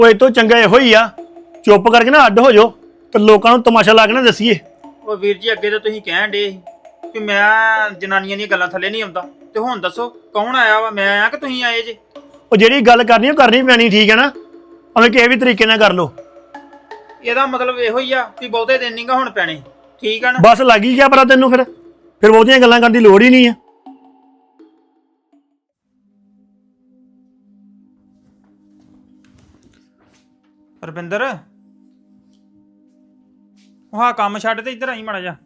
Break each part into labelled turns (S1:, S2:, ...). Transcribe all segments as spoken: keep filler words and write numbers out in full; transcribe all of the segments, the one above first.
S1: ਉਹ ਇਹ ਤੋਂ ਚੰਗਾ ਇਹੋ ਹੀ ਆ ਚੁੱਪ ਕਰਕੇ ਨਾ ਅੱਡ ਹੋ ਜਾਓ ਤੇ ਲੋਕਾਂ ਨੂੰ ਤਮਾਸ਼ਾ ਲਾ ਕੇ ਨਾ ਦੱਸੀਏ।
S2: ਉਹ ਵੀਰ ਜੀ ਅੱਗੇ ਤਾਂ ਤੁਸੀਂ ਕਹਿਣ ਡੇ ਕਿ ਮੈਂ ਜਨਾਨੀਆਂ ਦੀਆਂ ਗੱਲਾਂ ਥੱਲੇ ਨਹੀਂ ਆਉਂਦਾ, ਤੇ ਹੁਣ ਦੱਸੋ ਕੌਣ ਆਇਆ ਵਾ? ਮੈਂ ਆਇਆ ਕਿ ਤੁਸੀਂ ਆਏ ਜੇ?
S1: ਉਹ ਜਿਹੜੀ ਗੱਲ ਕਰਨੀ ਉਹ ਕਰਨੀ ਪੈਣੀ, ਠੀਕ ਹੈ ਨਾ, ਭਾਵੇਂ ਕਿਸੇ ਵੀ ਤਰੀਕੇ ਨਾਲ ਕਰ ਲਓ।
S2: ਇਹਦਾ ਮਤਲਬ ਇਹੋ ਹੀ ਆ ਕਿ ਬਹੁਤੇ ਦਿਨ ਨਹੀਂਗਾ ਹੁਣ ਪੈਣੇ, ਠੀਕ ਆ ਨਾ?
S1: ਬਸ ਲੱਗ ਹੀ ਗਿਆ ਪਤਾ ਤੈਨੂੰ, ਫਿਰ ਫਿਰ ਬਹੁਤੀਆਂ ਗੱਲਾਂ ਕਰਨ ਦੀ ਲੋੜ ਹੀ ਨਹੀਂ ਆ।
S2: ਰਵਿੰਦਰ ਉਹ ਹਾਂ ਕੰਮ ਛੱਡ ਤੇ ਇੱਧਰ ਆਈ ਮਾੜਾ ਜਾ।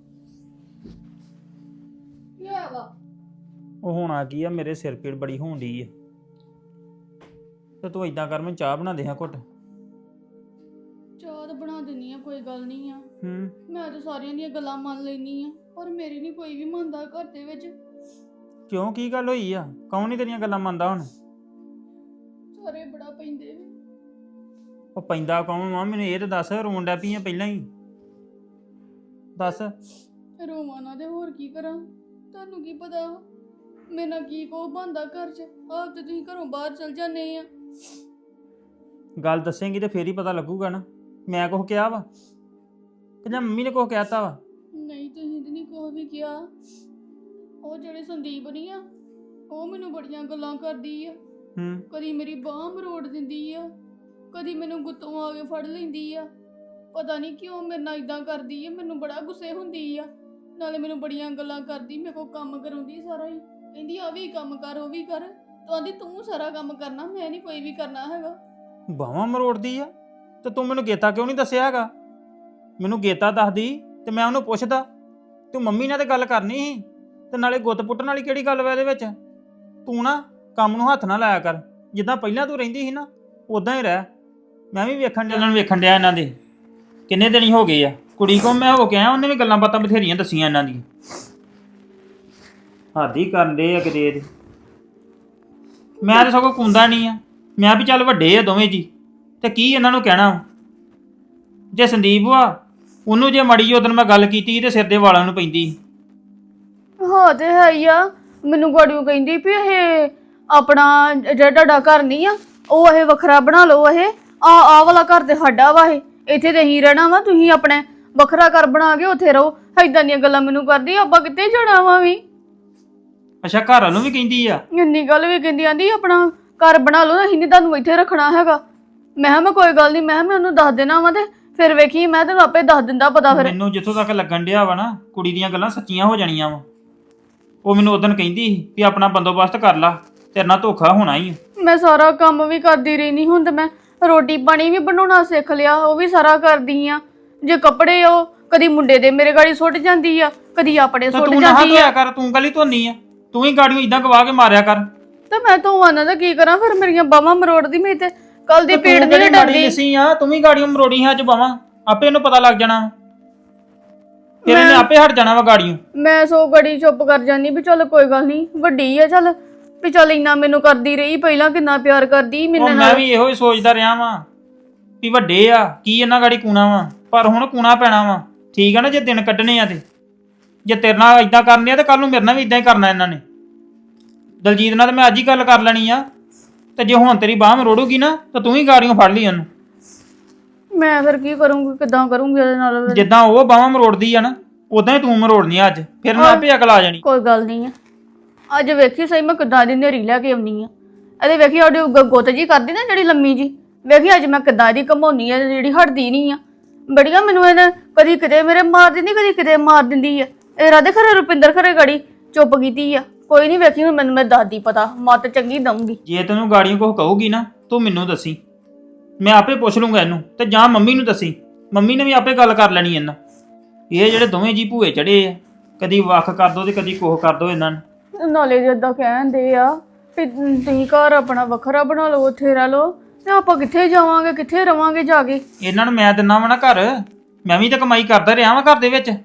S3: ਕੀ ਹੋਇਆ ਵਾ?
S2: ਉਹ ਹੋਣਾ ਕੀ ਆ, ਮੇਰੇ ਸਿਰ ਪੀੜ ਬੜੀ ਹੋਣ ਡਈ ਆ, ਤੇ ਤੂੰ ਇਦਾਂ ਕਰ ਮੈਨੂੰ ਚਾਹ ਬਣਾ ਦੇ ਹਾਂ ਘੁੱਟ।
S3: ਚਾਹ ਤਾਂ ਬਣਾ ਦਿੰਨੀ ਆ, ਕੋਈ ਗੱਲ ਨਹੀਂ ਆ।
S2: ਹੂੰ
S3: ਮੈਂ ਤਾਂ ਸਾਰਿਆਂ ਦੀਆਂ ਗੱਲਾਂ ਮੰਨ ਲੈਣੀ ਆ, ਪਰ ਮੇਰੀ ਨਹੀਂ ਕੋਈ ਵੀ ਮੰਨਦਾ ਘਰ ਦੇ ਵਿੱਚ।
S2: ਕਿਉਂ, ਕੀ ਗੱਲ ਹੋਈ ਆ? ਕੌਣ ਨਹੀਂ ਤੇਰੀਆਂ ਗੱਲਾਂ ਮੰਨਦਾ ਹੁਣ?
S3: ਸਾਰੇ ਬੜਾ ਪੈਂਦੇ ਨੇ।
S2: ਉਹ ਪੈਂਦਾ ਕੌਣ ਵਾ? ਮੈਨੂੰ ਇਹ ਤਾਂ ਦੱਸ, ਰੋਣ ਡੈ ਪਈ ਆ ਪਹਿਲਾਂ ਹੀ ਦੱਸ।
S3: ਰੋਵਾਂ ਨਾ ਤੇ ਹੋਰ ਕੀ ਕਰਾਂ? ਤੁਹਾਨੂੰ ਕੀ ਪਤਾ ਮੇਰੇ ਨਾਲ ਕੀ ਕੋ ਬੰਦਾ ਘਰ 'ਚ? ਆਪ ਤੇ ਤੁਸੀਂ ਘਰੋਂ ਬਾਹਰ ਚਲ ਜਾਂਦੇ ਆ।
S2: ਗੱਲ ਦੱਸੇਂਗੀ ਤੇ ਫੇਰ ਹੀ ਪਤਾ ਲੱਗੂਗਾ ਨਾ। ਮੈਂ ਕੁਛ ਕਿਹਾ ਵਾ ਕਿ ਜਾਂ ਮੰਮੀ ਨੇ ਕੁਛ ਕਹਿਤਾ ਵਾ?
S3: ਨਹੀਂ, ਤੁਸੀਂ ਤੇ ਨਹੀਂ ਕੁਛ ਵੀ ਕਿਹਾ। ਉਹ ਜਿਹੜੇ ਸੰਦੀਪ ਨਹੀਂ ਆ, ਉਹ ਮੈਨੂੰ ਬੜੀਆਂ ਗੱਲਾਂ ਕਰਦੀ ਆ।
S2: ਹੂੰ
S3: ਕਦੀ ਮੇਰੀ ਬਾਂਹ ਮਰੋੜ ਦਿੰਦੀ ਆ, ਕਦੀ ਮੈਨੂੰ ਗੁੱਤੋਂ ਆ ਕੇ ਫੜ ਲੈਂਦੀ ਆ। ਪਤਾ ਨਹੀਂ ਕਿਉਂ ਮੇਰੇ ਨਾਲ ਇਦਾਂ ਕਰਦੀ ਆ, ਮੈਨੂੰ ਬੜਾ ਗੁੱਸੇ ਹੁੰਦੀ ਆ। ਨਾਲੇ ਮੈਨੂੰ ਬੜੀਆਂ ਗੱਲਾਂ ਕਰਦੀ, ਮੇਰੇ ਕੋਲ ਕੰਮ ਕਰਾਉਂਦੀ ਸਾਰਾ ਹੀ। ਕਹਿੰਦੀ ਆ ਵੀ ਕੰਮ ਕਰ, ਉਹ ਵੀ ਕਰ। ਤੂੰ ਆਂਦੀ ਤੂੰ ਸਾਰਾ ਕੰਮ ਕਰਨਾ, ਮੈਂ ਨਹੀਂ ਕੋਈ ਵੀ ਕਰਨਾ ਹੈਗਾ।
S2: ਬਾਹਾਂ ਮਰੋੜਦੀ ਆ? ਤੇ ਤੂੰ ਮੈਨੂੰ ਗੇਤਾ ਕਿਉਂ ਨਹੀਂ ਦੱਸਿਆ ਹੈਗਾ? ਮੈਨੂੰ ਗੇਤਾ ਦੱਸਦੀ ਤੇ ਮੈਂ ਉਹਨੂੰ ਪੁੱਛਦਾ। ਤੂੰ ਮੰਮੀ ਨਾਲ ਤੇ ਗੱਲ ਕਰਨੀ ਸੀ, ਤੇ ਨਾਲੇ ਗੁੱਤ ਪੁੱਟਣ ਵਾਲੀ ਕਿਹੜੀ ਗੱਲ ਵਾ ਇਹਦੇ ਵਿੱਚ? ਤੂੰ ਨਾ ਕੰਮ ਨੂੰ ਹੱਥ ਨਾ ਲਾਇਆ ਕਰ, ਜਿੱਦਾਂ ਪਹਿਲਾਂ ਤੂੰ ਰਹਿੰਦੀ ਸੀ ਨਾ ਉਦਾਂ ਹੀ ਰਹਿ। ਮੈਂ ਵੀ ਵੇਖਣ ਚੱਲਣ ਵੇਖਣ ਡਿਆ ਇਹਨਾਂ ਦੇ ਕਿੰਨੇ ਦਿਨ ਹੀ ਹੋ ਗਏ ਆ। ਕੁੜੀ ਕੋਲ ਮੈਂ ਹੋ ਕੇ ਆਇਆ, ਉਹਨੇ ਵੀ ਗੱਲਾਂ ਬਾਤਾਂ ਬਥੇਰੀਆਂ ਦੱਸੀਆਂ ਇਹਨਾਂ ਦੀ। ਹੱਦ ਹੀ ਕਰਦੇ ਆ ਕਿਤੇ ਇਹਦੇ। ਮੈਂ ਤਾਂ ਸਗੋਂ ਕੁੰਦਾ ਨਹੀਂ ਆ, ਮੈਂ ਵੀ ਚੱਲ ਵੱਡੇ ਆ ਦੋਵੇਂ ਜੀ, ਤੇ ਕੀ ਇਹਨਾਂ ਨੂੰ ਕਹਿਣਾ। ਜੇ ਸੰਦੀਪ ਵਾ ਉਹਨੂੰ ਜੇ ਮੜੀ ਉਦੋਂ ਮੈਂ ਗੱਲ ਕੀਤੀ ਤੇ ਸਿਰ ਦੇ ਵਾਲਾਂ ਨੂੰ ਪੈਂਦੀ।
S3: ਹਾਂ ਤੇ ਹੈ ਹੀ ਆ। ਮੈਨੂੰ ਗਾੜੀਓ ਕਹਿੰਦੀ ਵੀ ਇਹ ਆਪਣਾ ਜਿਹੜਾ ਤੁਹਾਡਾ ਘਰ ਨਹੀਂ ਆ, ਉਹ ਇਹ ਵੱਖਰਾ ਬਣਾ ਲਓ। ਇਹ ਆ ਆ ਵਾਲਾ ਘਰ ਤੇ ਸਾਡਾ ਵਾ, ਇਹ ਇੱਥੇ ਤੇ ਹੀ ਰਹਿਣਾ ਵਾ। ਤੁਸੀਂ ਆਪਣੇ ਵੱਖਰਾ ਘਰ ਬਣਾ ਕੇ ਉੱਥੇ ਰਹੋ। ਏਦਾਂ ਦੀਆਂ ਗੱਲਾਂ ਮੈਨੂੰ ਕਰਦੀ। ਆਪਾਂ ਕਿੱਥੇ ਜਾਣਾ ਵਾ ਵੀ?
S2: ਅੱਛਾ, ਘਰ ਵਾਲੋਂ ਵੀ ਕਹਿੰਦੀ ਆ?
S3: ਇੰਨੀ ਗੱਲ ਵੀ ਕਹਿੰਦੀ, ਆਂਦੀ ਆਪਣਾ ਘਰ ਬਣਾ ਲਓ, ਅਸੀਂ ਨਹੀਂ ਤੁਹਾਨੂੰ ਇੱਥੇ ਰੱਖਣਾ ਹੈਗਾ। ਮੈਂ ਕਿਹਾ ਮੈਂ ਕੋਈ ਗੱਲ ਨਹੀਂ, ਮੈਂ ਕਿਹਾ ਮੈਂ ਉਹਨੂੰ ਦੱਸ ਦੇਣਾ ਵਾ, ਤੇ ਫਿਰ ਵੇਖੀ ਮੈਂ ਤੈਨੂੰ ਆਪੇ ਦੱਸ ਦਿੰਦਾ ਪਤਾ। ਫਿਰ
S2: ਮੈਨੂੰ ਜਿੱਥੋਂ ਤੱਕ ਲੱਗਣ ਡਿਆ ਵਾ ਨਾ, ਕੁੜੀ ਦੀਆਂ ਗੱਲਾਂ ਸੱਚੀਆਂ ਹੋ ਜਾਣੀਆਂ ਵਾ। ਉਹ ਮੈਨੂੰ ਉਦੋਂ ਕਹਿੰਦੀ ਸੀ ਵੀ ਆਪਣਾ ਬੰਦੋਬਸਤ ਕਰ ਲਾ, ਤੇਰੇ ਨਾਲ ਧੋਖਾ ਹੋਣਾ ਹੀ।
S3: ਮੈਂ ਸਾਰਾ ਕੰਮ ਵੀ ਕਰਦੀ ਰਹਿੰਦੀ, ਹੁਣ ਤੇ ਮੈਂ ਰੋਟੀ ਪਾਣੀ ਵੀ ਬਣਾਉਣਾ ਸਿੱਖ ਲਿਆ, ਉਹ ਵੀ ਸਾਰਾ ਕਰਦੀ ਆ। ਜੇ ਕੱਪੜੇ ਉਹ ਕਦੀ ਮੁੰਡੇ ਦੇ ਮੇਰੇ ਗਾੜੀ ਸੁੱਟ ਜਾਂਦੀ ਆ, ਕਦੀ ਆਪਣੇ ਸੁੱਟ
S2: ਤੂੰ ਨਾ
S3: ਜਾਂਦੀ
S2: ਧੋਇਆ
S3: ਆ।
S2: ਕਰ, ਤੂੰ ਗਲੀ ਧੋਨੀ ਆ, ਤੂੰ ਹੀ ਗਾੜੀਆਂ ਇਦਾਂ ਗਵਾ ਕੇ ਮਾਰਿਆ ਕਰ।
S3: ਤੇ ਮੈਂ ਧੋਵਾਂ ਦਾ ਕੀ ਕਰਾਂ? ਫਿਰ ਮੇਰੀਆਂ ਬਾਹਾਂ ਮਰੋੜਦੀ, ਮੇਰੀ ਤੇ ਕੱਲ ਦੀ ਪੀੜ ਨਹੀਂ ਡਰਦੀ।
S2: ਸੀ ਆ ਤੂੰ ਵੀ ਗਾੜੀਆਂ ਮਰੋੜੀ ਹੈ ਅੱਜ ਬਾਵਾਂ, ਆਪੇ ਇਹਨੂੰ ਪਤਾ ਲੱਗ ਜਾਣਾ, ਫਿਰ ਇਹਨੇ ਆਪੇ ਹਟ ਜਾਣਾ ਵਾ ਗਾੜੀਆਂ।
S3: ਮੈਂ ਸੋ ਗੜੀ ਚੁੱਪ ਕਰ ਜਾਂਦੀ ਵੀ ਚੱਲ ਕੋਈ ਗੱਲ ਨਹੀਂ, ਵੱਡੀ ਆ ਚੱਲ, ਵੀ ਚੱਲ ਇੰਨਾ ਮੈਨੂੰ ਕਰਦੀ ਰਹੀ, ਪਹਿਲਾਂ ਕਿੰਨਾ ਪਿਆਰ ਕਰਦੀ ਮੇਰੇ ਨਾਲ।
S2: ਮੈਂ ਵੀ ਇਹੋ ਹੀ ਸੋਚਦਾ ਰਿਹਾ ਵਾਂ ਵੀ ਵੱਡੇ ਆ ਕੀ ਇਹਨਾਂ ਗਾੜੀ ਕੂਣਾ ਵਾ, ਪਰ ਹੁਣ ਕੂਣਾ ਪੈਣਾ ਵਾ, ਠੀਕ ਆ ਨਾ? ਜੇ ਦਿਨ ਕੱਢਣੇ ਆ ਤੇ ਜੇ ਤੇਰੇ ਨਾਲ ਇਦਾਂ ਕਰਨੇ ਆ ਤੇ ਕੱਲ ਨੂੰ ਮੇਰੇ ਨਾਲ ਵੀ ਇਦਾਂ ਹੀ ਕਰਨਾ ਇਹਨਾਂ ਨੇ। ਦਲਜੀਤ ਨਾਲ ਤਾਂ ਮੈਂ ਅੱਜ ਹੀ ਗੱਲ ਕਰ ਲੈਣੀ ਆ, ਤੇ ਜੇ ਹੁਣ ਤੇਰੀ ਬਾਂਹ ਮਰੋੜੂਗੀ ਨਾ ਤਾਂ ਤੂੰ ਹੀ ਗਾੜੀਆਂ ਫੜ ਲਈ ਉਹਨੂੰ।
S3: ਮੈਂ ਫਿਰ ਕੀ ਕਰੂੰਗੀ, ਕਿੱਦਾਂ ਕਰੂੰਗੀ ਉਹਦੇ ਨਾਲ?
S2: ਜਿੱਦਾਂ ਉਹ ਬਾਹਾਂ ਮਰੋੜਦੀ ਆ ਨਾ, ਉਦਾਂ ਹੀ ਤੂੰ ਮਰੋੜਨੀ ਆ ਅੱਜ, ਫਿਰ ਨਾ ਆਪੇ ਅਕਲ ਆ ਜਾਣੀ।
S3: ਕੋਈ ਗੱਲ ਨਹੀਂ ਆ, ਅੱਜ ਵੇਖੀ ਸਹੀ ਮੈਂ ਕਿੱਦਾਂ ਦੀ ਨੇਰੀ ਲੈ ਕੇ ਆਉਣੀ ਆ। ਇਹਦੇ ਵੇਖੀ ਉਹਦੀ ਗੁੱਤ ਜੀ ਕਰਦੀ ਨਾ ਜਿਹੜੀ ਲੰਮੀ ਜੀ, ਵੇਖੀ ਅੱਜ ਮੈਂ ਕਿੱਦਾਂ ਦੀ ਘਮਾਉਣੀ ਆ, ਜਿਹੜੀ ਹਟਦੀ ਨਹੀਂ ਆ। ਬੜੀਆਂ ਮੈਨੂੰ ਇਹਨੇ ਕਦੀ ਕਿਤੇ ਮੇਰੇ ਮਾਰ ਦਿੰਦੀ, ਕਦੀ ਕਿਤੇ ਮਾਰ ਦਿੰਦੀ ਆ। ਇਹ ਰਾਧੇ ਖਰੇ ਰੁਪਿੰਦਰ ਖਰੇ ਗੜੀ ਚੁੱਪ ਕੀਤੀ ਆ। ਕੋਈ ਨਹੀਂ, ਵੇਖੀ ਹੁਣ ਮੈਨੂੰ ਮੈਂ ਦਾਦੀ ਪਤਾ ਮੱਤ ਚੰਗੀ ਦਊਂਗੀ।
S2: ਜੇ ਤੈਨੂੰ ਗਾੜੀਆਂ ਕੁਝ ਕਹੂਗੀ ਨਾ ਤੂੰ ਮੈਨੂੰ ਦੱਸੀ, ਮੈਂ ਆਪੇ ਪੁੱਛ ਲੂੰਗਾ ਇਹਨੂੰ, ਤੇ ਜਾਂ ਮੰਮੀ ਨੂੰ ਦੱਸੀ, ਮੰਮੀ ਨੇ ਵੀ ਆਪੇ ਗੱਲ ਕਰ ਲੈਣੀ ਇਹਨਾਂ। ਇਹ ਜਿਹੜੇ ਦੋਵੇਂ ਜੀ ਭੂਏ ਚੜੇ ਆ, ਕਦੀ ਵੱਖ ਕਰ ਦੋ ਤੇ ਕਦੀ ਕੋਹ ਕਰ ਦੋ ਇਹਨਾਂ ਨੂੰ।
S3: ਨਾਲੇ ਜਿੱਦਾਂ ਕਹਿੰਦੇ ਆ ਵੀ ਤੁਸੀਂ ਘਰ ਆਪਣਾ ਵੱਖਰਾ ਬਣਾ ਲਓ, ਉੱਥੇ ਰਹਿ ਲਓ, ਤੇ ਆਪਾਂ ਕਿੱਥੇ ਜਾਵਾਂਗੇ, ਕਿੱਥੇ ਰਵਾਂਗੇ ਜਾ ਕੇ?
S2: ਇਹਨਾਂ ਨੂੰ ਮੈਂ ਦਿੰਦਾ ਵਾ ਨਾ ਘਰ, ਮੈਂ ਵੀ ਤਾਂ ਕਮਾਈ ਕਰਦਾ ਰਿਹਾ ਵਾਂ ਘਰ ਦੇ ਵਿੱਚ।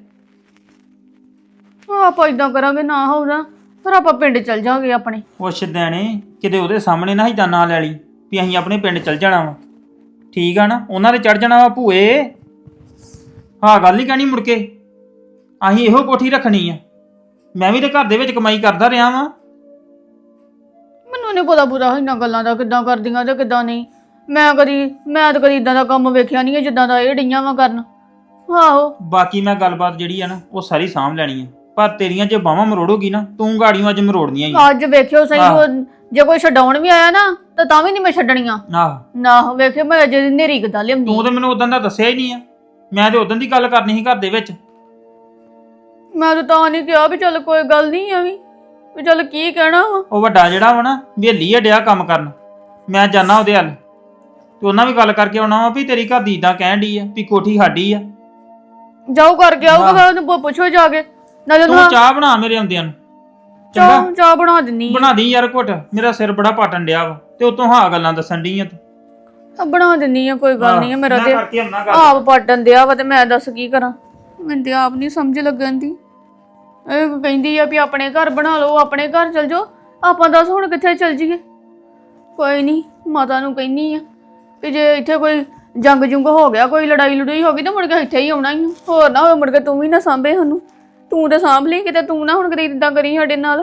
S3: ਆਪਾਂ ਇਦਾਂ ਕਰਾਂਗੇ ਨਾ ਹੋਣਾ, ਫਿਰ ਆਪਾਂ ਪਿੰਡ ਚਲ ਜਾਵਾਂਗੇ ਆਪਣੇ।
S2: ਉਹ ਸ਼ਦੈਣੇ ਕਿਤੇ ਉਹਦੇ ਸਾਹਮਣੇ ਨਾ ਇਦਾਂ ਨਾਂ ਲੈ ਲਈ ਵੀ ਅਸੀਂ ਆਪਣੇ ਪਿੰਡ ਚਲ ਜਾਣਾ ਵਾ, ਠੀਕ ਆ ਨਾ? ਉਹਨਾਂ ਦੇ ਚੜ ਜਾਣਾ ਵਾ ਭੂਏ। ਹਾਂ ਗੱਲ ਹੀ ਕਹਿਣੀ ਮੁੜ ਕੇ, ਅਸੀਂ ਇਹੋ ਕੋਠੀ ਰੱਖਣੀ ਆ। ਮੈਂ ਵੀ ਤਾਂ ਘਰ ਦੇ ਵਿੱਚ ਕਮਾਈ ਕਰਦਾ ਰਿਹਾ ਵਾਂ।
S3: ਮੈਨੂੰ ਨਹੀਂ ਪਤਾ ਪੂਰਾ ਇਹਨਾਂ ਗੱਲਾਂ ਦਾ ਕਿੱਦਾਂ ਕਰਦੀਆਂ ਤੇ ਕਿੱਦਾਂ ਨਹੀਂ। ਮੈਂ ਕਦੀ ਮੈਂ ਤਾਂ ਕਦੀ ਇਦਾਂ ਦਾ ਕੰਮ ਵੇਖਿਆ ਨਹੀਂ ਜਿੱਦਾਂ ਦਾ ਇਹ ਡਈਆਂ ਵਾ ਕਰਨ। ਆਹੋ
S2: ਬਾਕੀ ਮੈਂ ਗੱਲਬਾਤ ਜਿਹੜੀ ਆ ਨਾ ਉਹ ਸਾਰੀ ਸਾਂਭ ਲੈਣੀ ਆ, ਪਰ ਤੇਰੀਆਂ ਜੇ ਬਾਹਾਂ ਮਰੋੜੋਗੀ ਨਾ ਤੂੰ ਗਾੜੀਆਂ ਅੱਜ ਮਰੋੜਨੀਆਂ ਹੀ
S3: ਅੱਜ ਵੇਖਿਓ ਸਹੀ
S2: ਆਹ।
S3: ਉਹ ਜੇ ਕੋਈ ਛਡਾਉਣ ਵੀ ਆਇਆ ਨਾ ਤਾਂ ਤਾਂ ਵੀ ਨਹੀਂ ਮੈਂ ਛੱਡਣੀਆਂ।
S2: ਆਹ
S3: ਨਾ ਵੇਖਿਓ ਮੈਂ ਅਜੇ ਨੇਰੀ ਕਿੱਦਾਂ ਲਿਆਉਂਦੀ।
S2: ਤੂੰ ਤੇ ਮੈਨੂੰ ਉਦੋਂ ਦਾ ਦੱਸਿਆ ਹੀ ਨਹੀਂ ਆ, ਮੈਂ ਤੇ ਉਦੋਂ ਦੀ ਗੱਲ ਕਰਨੀ ਸੀ ਘਰ ਦੇ ਵਿੱਚ।
S3: ਮੈਂ ਤਾਂ ਤਾਂ ਨਹੀਂ ਕਿਹਾ ਵੀ ਚੱਲ ਕੋਈ ਗੱਲ ਨਹੀਂ ਆ ਵੀ ਵੀ ਚੱਲ ਕੀ ਕਹਿਣਾ ਵਾ।
S2: ਉਹ ਵੱਡਾ ਜਿਹੜਾ ਵਾ ਨਾ ਬੇਲੀ ਆ ਡਿਆ ਕੰਮ ਕਰਨ, ਮੈਂ ਜਾਣਾ ਉਹਦੇ ਹੱਲ ਤੇ ਉਹਨਾਂ ਵੀ ਗੱਲ ਕਰਕੇ ਆਉਣਾ ਵਾ ਵੀ ਤੇਰੀ ਘਰ ਦੀ ਇਦਾਂ ਕਹਿਣ ਡਈ ਆ ਵੀ ਕੋਠੀ ਸਾਡੀ ਆ।
S3: ਜਾਓ ਕਰਕੇ ਆਊਗਾ ਫਿਰ ਉਹਨੂੰ ਪੁ- ਪੁੱਛੋ ਜਾ ਕੇ ਨਾਲੇ
S2: ਤੂੰ
S3: ਉਹਨੂੰ
S2: ਚਾਹ ਬਣਾ ਮੇਰੇ ਆਉਂਦਿਆਂ ਨੂੰ,
S3: ਚਾਹ ਚਾਹ ਬਣਾ ਦਿੰਨੀ ਆ।
S2: ਬਣਾ ਦੀ ਯਾਰ ਘੁੱਟ, ਮੇਰਾ ਸਿਰ ਬੜਾ ਪਾਟਣ ਡਿਆ ਵਾ ਤੇ ਉਤੋਂ ਹਾਂ ਗੱਲਾਂ ਦੱਸਣ ਡਈ ਆ ਤੂੰ।
S3: ਆ ਬਣਾ ਦਿੰਨੀ ਆ ਕੋਈ ਗੱਲ ਨਹੀਂ ਆ। ਮੇਰਾ
S2: ਮੈਂ
S3: ਤੇ
S2: ਕਰਕੇ ਆਉਣਾ ਗੱਲ।
S3: ਆਪ ਪਾਟਣ ਦਿਆ ਵਾ ਤੇ ਮੈਂ ਦੱਸ ਕੀ ਕਰਾਂ। ਮੈਨੂੰ ਤੇ ਆਪ ਨਹੀਂ ਸਮਝ ਲੱਗਣ ਦੀ। ਇਹ ਕਹਿੰਦੀ ਆ ਵੀ ਆਪਣੇ ਘਰ ਬਣਾ ਲਓ, ਆਪਣੇ ਘਰ ਚਲ ਜਾਓ। ਆਪਾਂ ਦੱਸ ਹੁਣ ਕਿੱਥੇ ਚਲ ਜੀਏ। ਕੋਈ ਨਹੀਂ ਮਾਤਾ ਨੂੰ ਕਹਿੰਨੀ ਆ ਵੀ ਜੇ ਇੱਥੇ ਕੋਈ ਜੰਗ ਜੁੰਗ ਹੋ ਗਿਆ, ਕੋਈ ਲੜਾਈ ਲੜੂਈ ਹੋ ਗਈ ਤਾਂ ਮੁੜ ਕੇ ਇੱਥੇ ਹੀ ਆਉਣਾ ਹੀ ਆ। ਹੋਰ ਨਾ ਹੋਵੇ ਮੁੜ ਕੇ ਤੂੰ ਵੀ ਨਾ ਸਾਂਭੇ ਸਾਨੂੰ। ਤੂੰ ਤੇ ਸਾਂਭ ਲਈ ਕਿਤੇ, ਤੂੰ ਨਾ ਹੁਣ ਕਦੇ ਇਦਾਂ ਕਰੀ ਸਾਡੇ ਨਾਲ।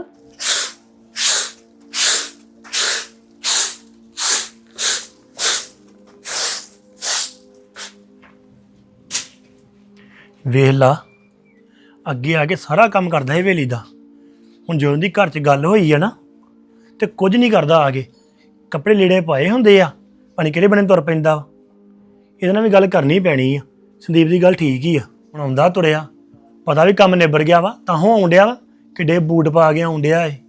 S1: ਵੇਖ ਲਾ ਅੱਗੇ ਆ ਕੇ ਸਾਰਾ ਕੰਮ ਕਰਦਾ ਹੈ ਹਵੇਲੀ ਦਾ। ਹੁਣ ਜਦੋਂ ਦੀ ਘਰ 'ਚ ਗੱਲ ਹੋਈ ਆ ਨਾ ਤੇ ਕੁਝ ਨਹੀਂ ਕਰਦਾ ਆ ਕੇ। ਕੱਪੜੇ ਲੀੜੇ ਪਾਏ ਹੁੰਦੇ ਆ, ਪਾਣੀ ਕਿਹੜੇ ਬਣੇ ਤੁਰ ਪੈਂਦਾ ਵਾ। ਇਹਦੇ ਨਾਲ ਵੀ ਗੱਲ ਕਰਨੀ ਪੈਣੀ ਆ। ਸੰਦੀਪ ਦੀ ਗੱਲ ਠੀਕ ਹੀ ਆ। ਹੁਣ ਆਉਂਦਾ ਤੁਰਿਆ, ਪਤਾ ਵੀ ਕੰਮ ਨਿਬੜ ਗਿਆ ਵਾ ਤਾਂ ਹੋ ਆਉਂਦਿਆ ਵਾ। ਕਿੱਡੇ ਬੂਟ ਪਾ ਕੇ ਆਉਂਦਿਆ ਏ।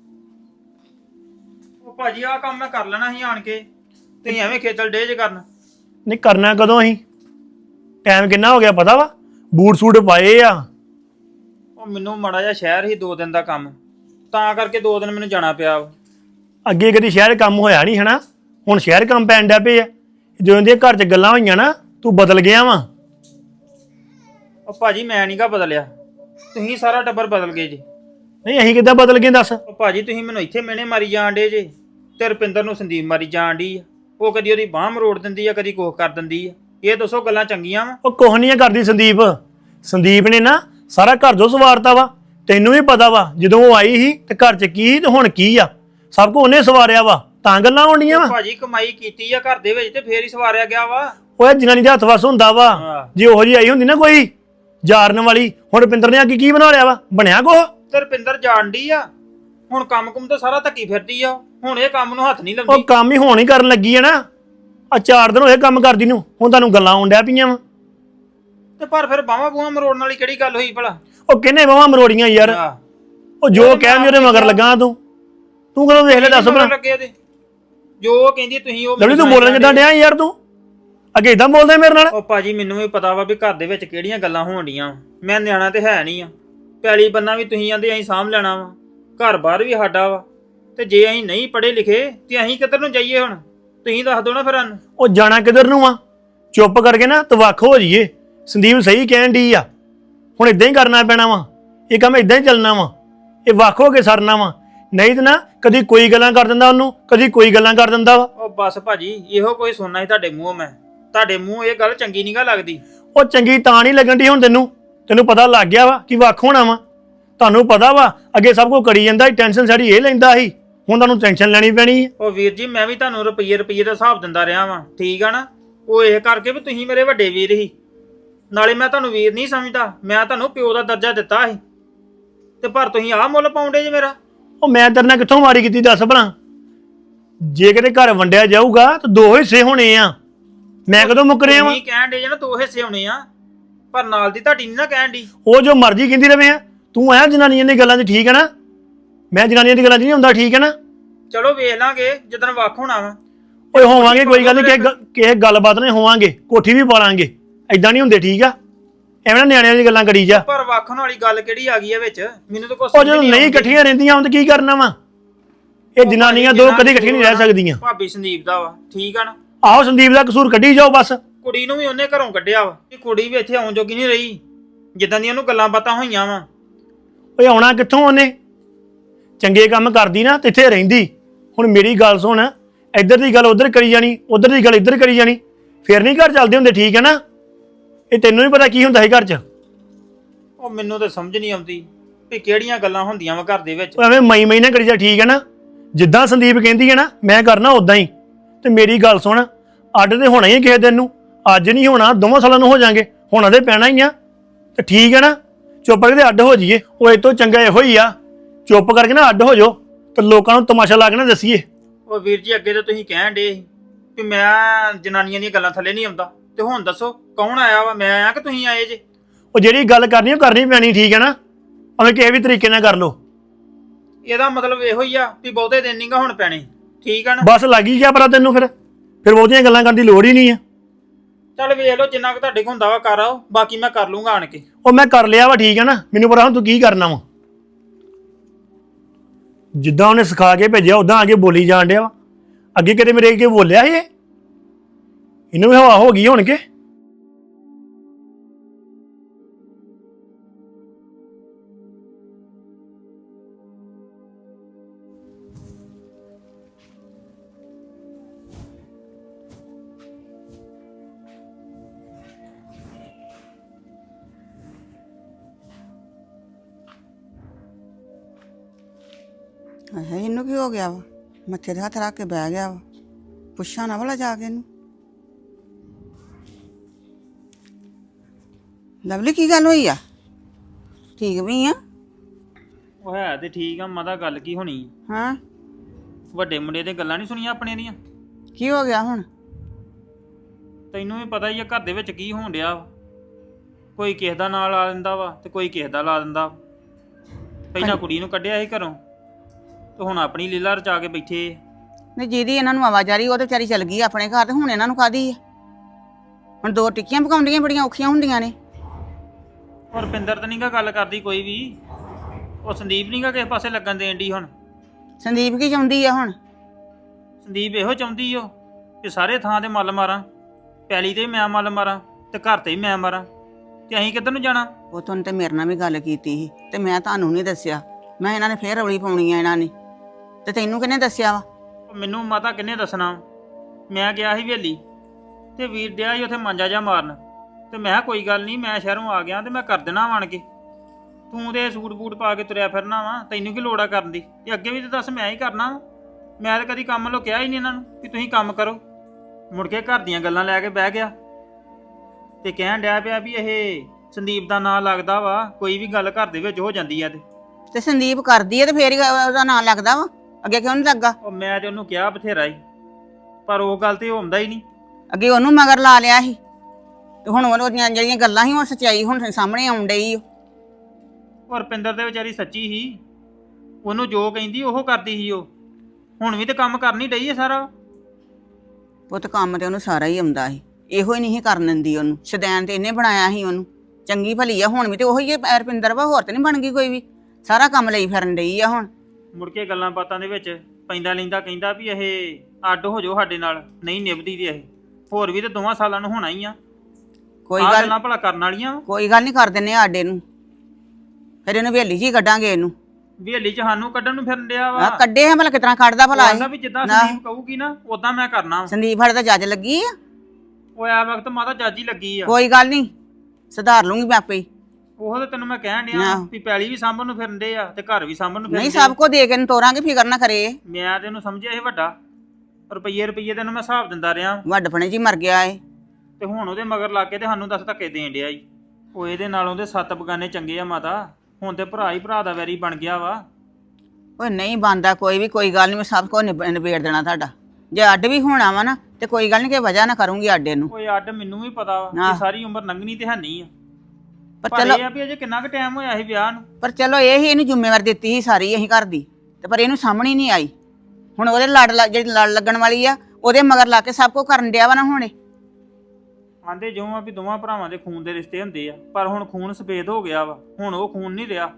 S2: ਉਹ ਭਾਜੀ ਆਹ ਕੰਮ ਮੈਂ ਕਰ ਲੈਣਾ ਸੀ ਆਣ ਕੇ, ਤੁਸੀਂ ਐਵੇਂ ਖੇਚਲ ਡੇ ਜੇ ਕਰਨ।
S1: ਨਹੀਂ ਕਰਨਾ ਕਦੋਂ ਅਸੀਂ? ਟਾਈਮ ਕਿੰਨਾ ਹੋ ਗਿਆ ਪਤਾ ਵਾ? ਬੂਟ ਸੂਟ ਪਾਏ ਆ।
S2: ਉਹ ਮੈਨੂੰ ਮਾੜਾ ਜਿਹਾ ਸ਼ਹਿਰ ਹੀ ਦੋ ਦਿਨ ਦਾ ਕੰਮ, ਤਾਂ ਕਰਕੇ ਦੋ ਦਿਨ ਮੈਨੂੰ ਜਾਣਾ ਪਿਆ ਵਾ।
S1: ਅੱਗੇ ਕਦੀ ਸ਼ਹਿਰ ਕੰਮ ਹੋਇਆ ਨਹੀਂ ਹਨਾ, ਹੁਣ ਸ਼ਹਿਰ ਕੰਮ ਪੈਣ ਡਿਆ ਪਏ ਆ। ਜਦੋਂ ਦੀਆਂ ਘਰ 'ਚ ਗੱਲਾਂ ਹੋਈਆਂ ਨਾ ਤੂੰ ਬਦਲ ਗਿਆ ਵਾ।
S2: ਉਹ ਭਾਜੀ ਮੈਂ ਨੀ ਗਾ ਬਦਲਿਆ, ਤੁਸੀਂ ਸਾਰਾ ਟੱਬਰ ਬਦਲ ਗਏ ਜੀ।
S1: ਨਹੀਂ ਅਸੀਂ ਕਿੱਦਾਂ ਬਦਲ ਗਏ ਦੱਸ?
S2: ਉਹ ਭਾਜੀ ਤੁਸੀਂ ਮੈਨੂੰ ਇੱਥੇ ਮਿਹਣੇ ਮਾਰੀ ਜਾਣ ਡੇ ਜੇ, ਤੇ ਰੁਪਿੰਦਰ ਨੂੰ ਸੰਦੀਪ ਮਾਰੀ ਜਾਣ ਡਈ ਆ। ਉਹ ਕਦੀ ਉਹਦੀ ਬਾਂਹ ਮਰੋੜ ਦਿੰਦੀ ਆ, ਕਦੀ ਕੋਹ ਕਰ ਦਿੰਦੀ ਆ। ਇਹ ਦੱਸੋ ਗੱਲਾਂ ਚੰਗੀਆਂ ਵਾ?
S1: ਉਹ ਕੁਛ ਨਹੀਂ ਕਰਦੀ ਸੰਦੀਪ। ਸੰਦੀਪ ਨੇ ਨਾ ਸਾਰਾ ਘਰ ਜੋ ਸਵਾਰਤਾ ਵਾ। ਤੈਨੂੰ ਵੀ ਪਤਾ ਵਾ ਜਦੋਂ ਉਹ ਆਈ ਸੀ ਤੇ ਘਰ 'ਚ ਕੀ ਤੇ ਹੁਣ ਕੀ ਆ। ਸਭ ਕੁਝ ਉਹਨੇ ਸਵਾਰਿਆ ਵਾ, ਤਾਂ ਗੱਲਾਂ ਹੋਣੀਆਂ ਵਾ।
S2: ਭਾਜੀ ਕਮਾਈ ਕੀਤੀ ਆ ਘਰ ਦੇ ਵਿੱਚ ਤੇ ਫੇਰ ਹੀ ਸਵਾਰਿਆ ਗਿਆ ਵਾ।
S1: ਓਏ ਜਨਾਨੀ ਦੇ ਹੱਥ ਵਸ ਹੁੰਦਾ ਵਾ।
S2: ਹਾਂ।
S1: ਜੇ ਉਹੋ ਜੀ ਆਈ ਹੁੰਦੀ ਨਾ ਕੋਈ ਜਾਰਨ ਵਾਲੀ, ਹੁਣ ਰੁਪਿੰਦਰ ਨੇ ਅੱਗੇ ਕੀ ਬਣਾ ਲਿਆ ਵਾ? ਬਣਿਆ ਕੁਛ?
S2: ਤੇ ਰੁਪਿੰਦਰ ਜਾਣ ਡਈ ਆ, ਹੁਣ ਕੰਮ ਕੁਮ ਤਾਂ ਸਾਰਾ ਧੱਕੀ ਫਿਰਦੀ ਆ। ਹੁਣ ਇਹ ਕੰਮ ਨੂੰ ਹੱਥ ਨਹੀਂ
S1: ਉਹ
S2: ਲਾਉਂਦੀ।
S1: ਕੰਮ ਹੀ ਹੁਣ ਹੀ ਕਰਨ ਲੱਗੀ ਹੈ ਨਾ। ਆ ਚਾਰ ਦਿਨ ਹੋਏ ਕੰਮ ਕਰਦੀ ਨੂੰ, ਹੁਣ ਤੁਹਾਨੂੰ ਗੱਲਾਂ ਆਉਣ ਡਿਆ ਪਈਆਂ ਵਾ।
S2: ਤੇ ਪਰ ਫਿਰ ਬਾਹਾਂ ਬੂਹਾਂ ਮਰੋੜਨ ਵਾਲੀ ਕਿਹੜੀ ਗੱਲ ਹੋਈ ਭਲਾ?
S1: ਉਹ ਕਿਹਨੇ ਬਾਹਾਂ ਮਰੋੜੀਆਂ ਯਾਰ?
S2: ਆਹ,
S1: ਉਹ ਜੋ ਕਹਿ ਮੇਰੇ ਮਗਰ ਲੱਗਾ ਤੂੰ। ਤੂੰ ਕਦੋਂ ਦੇਖ ਲੈ ਦੱਸ
S2: ਮਗਰ
S1: ਭਲਾ।
S2: ਲੱਗੇ ਉਹਦੇ। ਜੋ ਉਹ ਕਹਿੰਦੀ ਤੁਸੀਂ ਉਹ
S1: ਲਵਲੀ ਤੂੰ ਬੋਲਣ ਕਿੱਦਾਂ ਡਿਆ ਯਾਰ? ਤੂੰ ਅੱਗੇ ਇਦਾਂ ਬੋਲਦਾ ਮੇਰੇ ਨਾਲ?
S2: ਉਹ ਭਾਜੀ ਮੈਨੂੰ ਵੀ ਪਤਾ ਵਾ ਵੀ ਘਰ ਦੇ ਵਿੱਚ ਕਿਹੜੀਆਂ ਗੱਲਾਂ ਹੋਣ ਡੀਆਂ। ਮੈਂ ਨਿਆਣਾ ਤੇ ਹੈ ਨਹੀਂ ਆ। ਪੈਲੀ ਬੰਨਾ ਵੀ ਤੁਸੀਂ ਆਂਦੇ ਅਸੀਂ ਸਾਂਭ ਲੈਣਾ ਵਾ, ਘਰ ਬਾਹਰ ਵੀ ਸਾਡਾ ਵਾ। ਤੇ ਜੇ ਅਸੀਂ ਨਹੀਂ ਪੜ੍ਹੇ ਲਿਖੇ ਤੇ ਅਸੀਂ ਕਿੱਧਰ ਨੂੰ ਜਾਈਏ? ਹੁਣ ਤੁਸੀਂ ਦੱਸ ਦਿਓ ਨਾ ਫਿਰ ਸਾਨੂੰ।
S1: ਉਹ ਜਾਣਾ ਕਿੱਧਰ ਨੂੰ ਆ? ਚੁੱਪ ਕਰਕੇ ਨਾ ਤਵੱਖ ਹੋ ਜਾਈਏ। ਸੰਦੀਪ ਸਹੀ ਕਹਿਣ ਡਈ ਆ। ਹੁਣ ਇਦਾਂ ਹੀ ਕਰਨਾ ਪੈਣਾ ਵਾ। ਇਹ ਕੰਮ ਇਦਾਂ ਹੀ ਚੱਲਣਾ ਵਾ। ਇਹ ਵੱਖ ਹੋ ਕੇ ਸਰਨਾ ਵਾ। ਨਹੀਂ ਤੇ ਨਾ ਕਦੀ ਕੋਈ ਗੱਲਾਂ ਕਰ ਦਿੰਦਾ ਉਹਨੂੰ, ਕਦੀ ਕੋਈ ਗੱਲਾਂ ਕਰ ਦਿੰਦਾ ਵਾ।
S2: ਉਹ ਬਸ ਭਾਜੀ ਇਹੋ ਕੋਈ ਸੁਣਨਾ ਸੀ ਤੁਹਾਡੇ ਮੂੰਹੋਂ। ਮੈਂ ਤੁਹਾਡੇ ਮੂੰਹ ਇਹ ਗੱਲ ਚੰਗੀ ਨਹੀਂ ਗਾ ਲੱਗਦੀ।
S1: ਉਹ ਚੰਗੀ ਤਾਂ ਨਹੀਂ ਲੱਗਣ ਡਈ ਹੁਣ ਤੈਨੂੰ। ਤੈਨੂੰ ਪਤਾ ਲੱਗ ਗਿਆ ਵਾ ਕਿ ਵੱਖ ਹੋਣਾ ਵਾ। ਤੁਹਾਨੂੰ ਪਤਾ ਵਾ ਅੱਗੇ ਸਭ ਕੁਝ ਕਰੀ ਜਾਂਦਾ ਸੀ, ਟੈਨਸ਼ਨ ਸਾਡੀ ਇਹ ਲੈਂਦਾ ਸੀ। ਹੁਣ ਤੁਹਾਨੂੰ ਟੈਨਸ਼ਨ ਲੈਣੀ ਪੈਣੀ ਹੈ।
S2: ਉਹ ਵੀਰ ਜੀ ਮੈਂ ਵੀ ਤੁਹਾਨੂੰ ਰੁਪਈਏ ਰੁਪਈਏ ਦਾ ਹਿਸਾਬ ਦਿੰਦਾ ਰਿਹਾ ਵਾਂ, ਠੀਕ ਆ ਨਾ? ਉਹ ਇਹ ਕਰਕੇ ਵੀ ਤੁਸੀਂ ਮੇਰੇ ਵੱਡੇ ਵੀਰ ਸੀ। ਨਾਲੇ ਮੈਂ ਤੁਹਾਨੂੰ ਵੀਰ ਨਹੀਂ ਸਮਝਦਾ, ਮੈਂ ਤੁਹਾਨੂੰ ਪਿਓ ਦਾ ਦਰਜਾ ਦਿੱਤਾ ਸੀ। ਤੇ ਪਰ ਤੁਸੀਂ ਆਹ ਮੁੱਲ ਪਾਉਂਦੇ ਜੇ ਮੇਰਾ।
S1: ਉਹ ਮੈਂ ਤੇਰੇ ਨਾਲ ਕਿੱਥੋਂ ਮਾਰੀ ਕੀਤੀ ਦੱਸ ਭਲਾ? ਜੇ ਕਿਤੇ ਘਰ ਵੰਡਿਆ ਜਾਊਗਾ ਤਾਂ ਦੋ ਹਿੱਸੇ ਹੋਣੇ ਆ। ਮੈਂ ਕਦੋਂ ਮੁੱਕ ਰਿਹਾ ਵਾਂ?
S2: ਤੁਸੀਂ ਕਹਿਣ ਡੇ ਜੇ ਨਾ ਦੋ ਹਿੱਸੇ ਹੋਣੇ ਆ, ਪਰ ਨਾਲ ਦੀ ਤੁਹਾਡੀ ਨਹੀਂ ਨਾ ਕਹਿਣ ਦੀ।
S1: ਉਹ ਜੋ ਮਰਜ਼ੀ ਕਹਿੰਦੀ ਰਵੇ ਆ। ਤੂੰ ਆਇਆ ਜਨਾਨੀਆਂ ਦੀ ਗੱਲਾਂ 'ਚ, ਠੀਕ ਹੈ ਨਾ? ਮੈਂ ਜਨਾਨੀਆਂ ਦੀ ਗੱਲਾਂ 'ਚ ਨਹੀਂ ਹੁੰਦਾ, ਠੀਕ ਹੈ ਨਾ?
S2: ਚਲੋ ਵੇਖ ਲਾਂਗੇ ਜਦੋਂ ਵੱਖ ਹੋਣਾ ਵਾ।
S1: ਓਏ ਹੋਵਾਂਗੇ, ਕੋਈ ਗੱਲ ਨਹੀਂ। ਕਿਸੇ ਗੱਲਬਾਤ ਨਹੀਂ ਹੋਵਾਂਗੇ, ਕੋਠੀ ਵੀ ਪਾ ਲਾਂਗੇ। ਐਦਾਂ ਨਹੀਂ ਹੁੰਦੇ, ਠੀਕ ਆ? ਐਵੇਂ ਨਾ ਨਿਆਣਿਆਂ ਦੀ ਗੱਲਾਂ ਕਰੀ ਜਾ।
S2: ਪਰ ਵੱਖ ਹੋਣ ਵਾਲੀ ਗੱਲ ਕਿਹੜੀ ਆ ਗਈ ਆ ਵਿੱਚ? ਮੈਨੂੰ ਤਾਂ ਕੁਛ
S1: ਉਹ
S2: ਸਮਝ
S1: ਜਦੋਂ ਨਹੀਂ ਇਕੱਠੀਆਂ ਰਹਿੰਦੀਆਂ ਹੁਣ ਤਾਂ ਕੀ ਕਰਨਾ ਵਾ? ਇਹ ਜਨਾਨੀਆਂ ਦੋ ਕਦੀ ਇਕੱਠੀਆਂ ਨਹੀਂ ਰਹਿ ਸਕਦੀਆਂ।
S2: ਭਾਬੀ ਸੰਦੀਪ ਦਾ ਵਾ, ਠੀਕ ਆ ਨਾ?
S1: ਆਹੋ ਸੰਦੀਪ ਦਾ ਕਸੂਰ ਕੱਢੀ ਜਾਓ ਬਸ।
S2: ਕੁੜੀ ਨੂੰ ਵੀ ਉਹਨੇ ਘਰੋਂ ਕੱਢਿਆ ਵਾ। ਇਹ ਕੁੜੀ ਵੀ ਇੱਥੇ ਆਉਣ ਜੋਗੀ ਨਹੀਂ ਰਹੀ ਜਿੱਦਾਂ ਦੀਆਂ ਉਹਨੂੰ ਗੱਲਾਂ ਬਾਤਾਂ ਹੋਈਆਂ ਵਾ।
S1: ਓਏ ਆਉਣਾ ਕਿੱਥੋਂ ਉਹਨੇ? ਚੰਗੇ ਕੰਮ ਕਰਦੀ ਨਾ ਤੇ ਇੱਥੇ ਰਹਿੰਦੀ। ਹੁਣ ਮੇਰੀ ਗੱਲ ਸੁਣ, ਇੱਧਰ ਦੀ ਗੱਲ ਉੱਧਰ ਕਰੀ ਜਾਣੀ, ਉੱਧਰ ਦੀ ਗੱਲ ਇੱਧਰ ਕਰੀ ਜਾਣੀ, ਫਿਰ ਨਹੀਂ ਘਰ ਚੱਲਦੇ ਹੁੰਦੇ, ਠੀਕ ਹੈ ਨਾ? ਇਹ ਤੈਨੂੰ ਵੀ ਪਤਾ ਕੀ ਹੁੰਦਾ ਸੀ ਘਰ 'ਚ।
S2: ਉਹ ਮੈਨੂੰ ਤਾਂ ਸਮਝ ਨਹੀਂ ਆਉਂਦੀ ਵੀ ਕਿਹੜੀਆਂ ਗੱਲਾਂ ਹੁੰਦੀਆਂ ਵਾ ਘਰ ਦੇ ਵਿੱਚ।
S1: ਉਹ ਐਵੇਂ ਮਈ ਮਈ ਨਾ ਕਰੀ ਜਾ, ਠੀਕ ਹੈ ਨਾ? ਜਿੱਦਾਂ ਸੰਦੀਪ ਕਹਿੰਦੀ ਹੈ ਨਾ ਮੈਂ ਕਰਨਾ ਉਦਾਂ ਹੀ। ਤੇ ਮੇਰੀ ਗੱਲ ਸੁਣ, ਅੱਡ ਤੇ ਹੋਣਾ ਹੀ ਆ ਕਿਸੇ ਦਿਨ ਨੂੰ। ਅੱਜ ਨਹੀਂ ਹੋਣਾ, ਦੋਵਾਂ ਸਾਲਾਂ ਨੂੰ ਹੋ ਜਾਾਂਗੇ, ਹੋਣਾ ਤੇ ਪੈਣਾ ਹੀ ਆ। ਤੇ ਠੀਕ ਹੈ ਨਾ, ਚੁੱਪ ਕਰਕੇ ਅੱਡ ਹੋ ਜਾਈਏ। ਉਹ ਇਹ ਤੋਂ ਚੰਗਾ ਇਹੋ ਹੀ ਆ, ਚੁੱਪ ਕਰਕੇ ਨਾ ਅੱਡ ਹੋ ਜਾਓ ਤੇ ਲੋਕਾਂ ਨੂੰ ਤਮਾਸ਼ਾ ਲਾ ਕੇ ਨਾ ਦੱਸੀਏ।
S2: ਉਹ ਵੀਰ ਜੀ ਅੱਗੇ ਤਾਂ ਤੁਸੀਂ ਕਹਿਣ ਡੇ ਕਿ ਮੈਂ ਜਨਾਨੀਆਂ ਦੀਆਂ ਗੱਲਾਂ ਥੱਲੇ ਨਹੀਂ ਆਉਂਦਾ, ਤੇ ਹੁਣ ਦੱਸੋ ਕੌਣ ਆਇਆ ਵਾ? ਮੈਂ ਆਇਆ ਕਿ ਤੁਸੀਂ ਆਏ ਜੇ?
S1: ਉਹ ਜਿਹੜੀ ਗੱਲ ਕਰਨੀ ਉਹ ਕਰਨੀ ਪੈਣੀ, ਠੀਕ ਹੈ ਨਾ, ਭਾਵੇਂ ਕਿਸੇ ਵੀ ਤਰੀਕੇ ਨਾਲ ਕਰ ਲਓ।
S2: ਇਹਦਾ ਮਤਲਬ ਇਹੋ ਹੀ ਆ ਵੀ ਬਹੁਤੇ ਦਿਨ ਨਹੀਂਗਾ ਹੁਣ ਪੈਣੇ, ਠੀਕ ਆ ਨਾ?
S1: ਬਸ ਲੱਗ ਹੀ ਗਿਆ ਪਤਾ ਤੈਨੂੰ, ਫਿਰ ਫਿਰ ਬਹੁਤੀਆਂ ਗੱਲਾਂ ਕਰਨ ਦੀ ਲੋੜ ਹੀ ਨਹੀਂ ਆ।
S2: ਚੱਲ ਵੇਖ ਲਓ ਜਿੰਨਾ ਕੁ ਤੁਹਾਡੇ ਕੋਲ ਹੁੰਦਾ ਵਾ ਕਰ ਆਓ, ਬਾਕੀ ਮੈਂ ਕਰ ਲੂੰਗਾ ਆਣ ਕੇ।
S1: ਉਹ ਮੈਂ ਕਰ ਲਿਆ ਵਾ, ਠੀਕ ਹੈ ਨਾ, ਮੈਨੂੰ ਪਤਾ ਹੁਣ ਤੂੰ ਕੀ ਕਰਨਾ ਵਾ। ਜਿੱਦਾਂ ਉਹਨੇ ਸਿਖਾ ਕੇ ਭੇਜਿਆ ਉਦਾਂ ਅੱਗੇ ਬੋਲੀ ਜਾਣ ਡਿਆ ਵਾ। ਅੱਗੇ ਕਿਤੇ ਮੇਰੇ ਅੱਗੇ ਬੋਲਿਆ ਸੀ ਇਹ? ਇਹਨੂੰ ਵੀ ਹਵਾ ਹੋ ਗਈ ਹੁਣ ਕੇ।
S4: ਹੈ ਇਹਨੂੰ ਕੀ ਹੋ ਗਿਆ ਵਾ? ਮੱਥੇ ਤੇ ਹੱਥ ਰੱਖ ਕੇ ਬਹਿ ਗਿਆ ਵਾ। ਪੁੱਛਾਂ ਨਾ ਭਲਾ ਜਾ ਕੇ ਇਹਨੂੰ। ਲਵਲੀ ਕੀ ਗੱਲ ਹੋਈ ਆ? ਠੀਕ ਵੀ ਆ?
S2: ਉਹ ਹੈ ਤੇ ਠੀਕ ਆ ਮਾਤਾ, ਗੱਲ ਕੀ ਹੋਣੀ?
S4: ਹਾਂ,
S2: ਵੱਡੇ ਮੁੰਡੇ ਦੀਆਂ ਗੱਲਾਂ ਨਹੀਂ ਸੁਣੀਆਂ ਆਪਣੇ ਦੀਆਂ?
S4: ਕੀ ਹੋ ਗਿਆ ਹੁਣ?
S2: ਤੈਨੂੰ ਵੀ ਪਤਾ ਹੀ ਆ ਘਰ ਦੇ ਵਿੱਚ ਕੀ ਹੋਣ ਡਿਆ ਵਾ। ਕੋਈ ਕਿਸੇ ਦਾ ਨਾਂ ਲਾ ਦਿੰਦਾ ਵਾ ਤੇ ਕੋਈ ਕਿਸੇ ਦਾ ਲਾ ਦਿੰਦਾ। ਪਹਿਲਾਂ ਕੁੜੀ ਨੂੰ ਕੱਢਿਆ ਸੀ ਘਰੋਂ ਤੇ ਹੁਣ ਆਪਣੀ ਲੀਲਾ ਰਚਾ ਕੇ ਬੈਠੇ।
S4: ਨਹੀਂ ਜਿਹਦੀ ਇਹਨਾਂ ਨੂੰ ਆਵਾਜ਼ਾਰੀ ਉਹ ਤੇ ਵਿਚਾਰੀ ਚਲ ਗਈ ਆਪਣੇ ਘਰ, ਤੇ ਹੁਣ ਇਹਨਾਂ ਨੂੰ ਕਾਹਦੀ ਆ? ਹੁਣ ਦੋ ਟਿੱਕੀਆਂ ਪਕਾਉਂਦੀਆਂ ਬੜੀਆਂ ਔਖੀਆਂ ਹੁੰਦੀਆਂ ਨੇ।
S2: ਔਰ ਰੁਪਿੰਦਰ ਤਾਂ ਨਹੀਂਗਾ ਗੱਲ ਕਰਦੀ ਕੋਈ ਵੀ। ਉਹ ਸੰਦੀਪ ਨਹੀਂਗਾ ਕਿਸੇ ਪਾਸੇ ਲੱਗਣ ਦੇਣ ਦੀ। ਹੁਣ
S4: ਸੰਦੀਪ ਕੀ ਚਾਹੁੰਦੀ ਆ ਹੁਣ?
S2: ਸੰਦੀਪ ਇਹੋ ਚਾਹੁੰਦੀ ਓ ਕਿ ਸਾਰੇ ਥਾਂ ਤੇ ਮੱਲ ਮਾਰਾਂ, ਪੈਲੀ ਤੇ ਵੀ ਮੈਂ ਮੱਲ ਮਾਰਾਂ ਤੇ ਘਰ ਤੇ ਵੀ ਮੈਂ ਮਾਰਾਂ, ਤੇ ਅਸੀਂ ਕਿੱਧਰ ਨੂੰ ਜਾਣਾ?
S4: ਉਹ ਤੁਹਾਨੂੰ ਤੇ ਮੇਰੇ ਨਾਲ ਵੀ ਗੱਲ ਕੀਤੀ ਸੀ ਤੇ ਮੈਂ ਤੁਹਾਨੂੰ ਨਹੀਂ ਦੱਸਿਆ। ਮੈਂ ਇਹਨਾਂ ਨੇ ਫੇਰ ਰੌਲੀ ਪਾਉਣੀ ਆ ਇਹਨਾਂ ਨੇ, ਤੇ ਤੈਨੂੰ ਕਿਹਨੇ ਦੱਸਿਆ ਵਾ?
S2: ਉਹ ਮੈਨੂੰ ਮਾਤਾ ਕਿੰਨੇ ਦੱਸਣਾ? ਮੈਂ ਗਿਆ ਸੀ ਹਵੇਲੀ ਤੇ ਵੀਰ ਡਿਆ ਸੀ ਉੱਥੇ ਮਾਂਜਾ ਜਾ ਮਾਰਨ, ਤੇ ਮੈਂ ਕਿਹਾ ਕੋਈ ਗੱਲ ਨਹੀਂ, ਮੈਂ ਸ਼ਹਿਰੋਂ ਆ ਗਿਆ ਤੇ ਮੈਂ ਕਰ ਦੇਣਾ ਆਣ ਕੇ। ਤੂੰ ਤੇ ਸੂਟ ਬੂਟ ਪਾ ਕੇ ਤੁਰਿਆ ਫਿਰਨਾ ਵਾ, ਤੈਨੂੰ ਕੀ ਲੋੜ ਆ ਕਰਨ ਦੀ? ਤੇ ਅੱਗੇ ਵੀ ਤੇ ਦੱਸ ਮੈਂ ਹੀ ਕਰਨਾ ਵਾ। ਮੈਂ ਤਾਂ ਕਦੀ ਕੰਮ ਲੋ ਕਿਹਾ ਹੀ ਨਹੀਂ ਇਹਨਾਂ ਨੂੰ ਕਿ ਤੁਸੀਂ ਕੰਮ ਕਰੋ। ਮੁੜ ਕੇ ਘਰ ਦੀਆਂ ਗੱਲਾਂ ਲੈ ਕੇ ਬਹਿ ਗਿਆ ਤੇ ਕਹਿਣ ਡਿਆ ਪਿਆ ਵੀ ਇਹ ਸੰਦੀਪ ਦਾ ਨਾਂ ਲੱਗਦਾ ਵਾ, ਕੋਈ ਵੀ ਗੱਲ ਘਰ ਦੇ ਵਿੱਚ ਹੋ ਜਾਂਦੀ ਆ। ਤੇ
S4: ਤੇ ਸੰਦੀਪ ਕਰਦੀ ਆ ਤੇ ਫੇਰ ਹੀ ਉਹਦਾ ਨਾਂ ਲੱਗਦਾ ਵਾ, ਅੱਗੇ ਕਿਉਂ ਨਹੀਂ ਲੱਗਾ?
S2: ਉਹ ਮੈਂ ਤੇ ਉਹਨੂੰ ਕਿਹਾ ਬਥੇਰਾ ਹੀ, ਪਰ ਉਹ ਗੱਲ ਤੇ ਹੁੰਦਾ ਹੀ ਨਹੀਂ।
S4: ਅੱਗੇ ਉਹਨੂੰ ਮਗਰ ਲਾ ਲਿਆ ਸੀ ਤੇ ਹੁਣ ਉਹਦੀਆਂ ਜਿਹੜੀਆਂ ਗੱਲਾਂ ਸੀ ਉਹ ਸੱਚਾਈ ਹੁਣ ਸਾਹਮਣੇ ਆਉਣ ਡਈ ਓ।
S2: ਔਰ ਰੁਪਿੰਦਰ ਤੇ ਵਿਚਾਰੀ ਸੱਚੀ ਸੀ, ਉਹਨੂੰ ਜੋ ਕਹਿੰਦੀ ਉਹ ਕਰਦੀ ਸੀ। ਉਹ ਹੁਣ ਵੀ ਤੇ ਕੰਮ ਕਰਨੀ ਡਈ ਹੈ ਸਾਰਾ।
S4: ਪੁੱਤ ਕੰਮ ਤੇ ਉਹਨੂੰ ਸਾਰਾ ਹੀ ਆਉਂਦਾ ਸੀ, ਇਹੋ ਹੀ ਨਹੀਂ ਕਰਨ ਦਿੰਦੀ ਉਹਨੂੰ। ਸ਼ਦੈਨ ਤੇ ਇਹਨੇ ਬਣਾਇਆ ਸੀ ਉਹਨੂੰ, ਚੰਗੀ ਭਲੀ ਆ ਹੁਣ ਵੀ ਤੇ ਉਹੀ ਹੈ ਰੁਪਿੰਦਰ ਵਾ, ਹੋਰ ਤੇ ਨਹੀਂ ਬਣ ਗਈ ਕੋਈ ਵੀ। ਸਾਰਾ ਕੰਮ ਲਈ ਫਿਰਨ ਡਈ ਆ ਹੁਣ।
S2: ਮੁੜ ਕੇ ਗੱਲਾਂ ਬਾਤਾਂ ਦੇ ਵਿੱਚ ਪੈਂਦਾ ਲੈਂਦਾ ਕਹਿੰਦਾ ਵੀ ਇਹ ਅੱਡ ਹੋ ਜਾਓ ਸਾਡੇ ਨਾਲ, ਨਹੀਂ ਨਿਭਦੀ ਤੇ ਇਹ ਹੋਰ ਵੀ ਤੇ ਦੋਵਾਂ ਸਾਲਾਂ ਨੂੰ ਹੋਣਾ ਹੀ ਆ।
S4: ਕੋਈ
S2: ਆਹ
S4: ਗੱਲ
S2: ਗੱਲਾਂ ਭਲਾ ਕਰਨ ਵਾਲੀਆਂ?
S4: ਕੋਈ ਗੱਲ ਨਹੀਂ, ਕਰ ਦਿੰਨੇ ਆ ਆਡੇ ਨੂੰ, ਫਿਰ ਇਹਨੂੰ ਹਵੇਲੀ 'ਚ ਹੀ ਕੱਢਾਂਗੇ ਇਹਨੂੰ।
S2: ਹਵੇਲੀ 'ਚ ਸਾਨੂੰ ਕੱਢਣ ਨੂੰ ਫਿਰਨ ਡਿਆ
S4: ਆ
S2: ਵਾ।
S4: ਕੱਢੇ ਆ ਭਲਾ ਕਿਤਨਾ ਕੱਢਦਾ ਭਲਾ
S2: ਕਹਿੰਦਾ
S4: ਇਹ?
S2: ਵੀ ਜਿੱਦਾਂ ਸੰਦੀਪ ਕਹੂਗੀ ਨਾ ਉਦਾਂ ਮੈਂ ਕਰਨਾ ਵਾ।
S4: ਸੰਦੀਪ ਸਾਡੇ ਤਾਂ ਜੱਜ ਲੱਗੀ ਆ।
S2: ਉਹ ਆ ਵਕਤ ਮਾਤਾ ਜਾਜੀ ਲੱਗੀ ਆ।
S4: ਕੋਈ ਗੱਲ ਨਹੀਂ, ਸੁਧਾਰ ਲੂੰਗੀ ਮੈਂ ਆਪੇ ਹੀ।
S2: ਉਹ ਤੇ ਤੈਨੂੰ ਮੈਂ ਕਹਿਣ ਡਿਆ ਵੀ ਪੈਲੀ ਵੀ ਸਾਂਭਣ ਨੂੰ ਫਿਰਨ ਡੇ ਆ ਤੇ ਘਰ ਵੀ ਸਾਂਭਣ ਨੂੰ ਫਿਰਨ
S4: ਨਹੀਂ,
S2: ਡੇ।
S4: ਸਭ ਕੋ ਦੇ ਕੇ ਨੂੰ ਤੋਰਾਂਗੇ, ਫਿਕਰ ਨਾ ਕਰੇ।
S2: ਮੈਂ ਤੈਨੂੰ ਸਮਝਿਆ ਇਹ ਵੱਡਾ, ਰੁਪਈਏ ਰੁਪਈਏ ਤੈਨੂੰ ਮੈਂ ਹਿਸਾਬ ਦਿੰਦਾ ਰਿਹਾ,
S4: ਵੱਡਪਣੇ 'ਚ ਹੀ ਮਰ ਗਿਆ ਏ।
S2: ਤੇ ਹੁਣ ਉਹਦੇ ਮਗਰ ਲੱਗ ਕੇ ਤੇ ਸਾਨੂੰ ਦੱਸ ਧੱਕੇ ਦੇਣ ਡਿਆ ਈ। ਉਹ ਇਹਦੇ ਨਾਲੋਂ ਦੇ ਸੱਤ ਬਗਾਨੇ ਚੰਗੇ ਆ ਮਾਤਾ। ਹੁਣ ਤੇ ਭਰਾ ਹੀ ਭਰਾ ਦਾ ਵੈਰੀ ਬਣ ਗਿਆ ਵਾ।
S4: ਓਏ ਨਹੀਂ ਬਣਦਾ ਕੋਈ ਵੀ, ਕੋਈ ਗੱਲ ਨਹੀਂ, ਮੈਂ ਸਭ ਕੋ ਨਿਬੇੜ ਦੇਣਾ ਤੁਹਾਡਾ। ਜੇ ਅੱਡ ਵੀ ਹੋਣਾ ਵਾ ਨਾ ਤੇ ਕੋਈ ਗੱਲ ਨਹੀਂ, ਕਿ ਵਜ੍ਹਾ ਨਾ ਕਰੂੰਗੀ ਆਡੇ ਨੂੰ।
S2: ਓਏ ਅੱਡ ਮੈਨੂੰ ਵੀ ਪਤਾ ਵਾ
S4: ਆਹ।
S2: ਕਿ ਸਾਰੀ ਉਮਰ ਲੰਘਣੀ ਤੇ ਹੈ ਨਹੀਂ ਆ,
S4: ਪਰ
S2: ਪਰ
S4: ਚਲੋ
S2: ਇਹ ਆ ਵੀ ਅਜੇ ਕਿੰਨਾ ਕੁ ਟਾਈਮ ਹੋਇਆ ਸੀ ਵਿਆਹ ਨੂੰ।
S4: ਪਰ ਚਲੋ ਇਹ ਹੀ ਇਹਨੂੰ ਜ਼ਿੰਮੇਵਾਰੀ ਦਿੱਤੀ ਸੀ ਸਾਰੀ ਅਸੀਂ ਘਰ ਦੀ, ਤੇ ਪਰ ਇਹਨੂੰ ਸਾਹਮਣੇ ਨਹੀਂ ਆਈ। ਹੁਣ ਉਹਦੇ ਲੜ ਲ- ਜਿਹੜੀ ਲੜ ਲੱਗਣ ਵਾਲੀ ਆ ਉਹਦੇ ਮਗਰ ਲਾ ਕੇ ਸਭ ਕੁਝ ਕਰਨ ਡਿਆ ਵਾ ਨਾ ਹੁਣੇ।
S2: ਆਂਦੇ ਜਿਉਂ ਆ ਵੀ ਦੋਵਾਂ ਭਰਾਵਾਂ ਦੇ ਖੂਨ ਦੇ ਰਿਸ਼ਤੇ ਹੁੰਦੇ ਆ, ਪਰ ਹੁਣ ਖੂਨ ਸਫੇਦ ਹੋ ਗਿਆ ਵਾ, ਹੁਣ ਉਹ ਖੂਨ ਨਹੀਂ ਰਿਹਾ।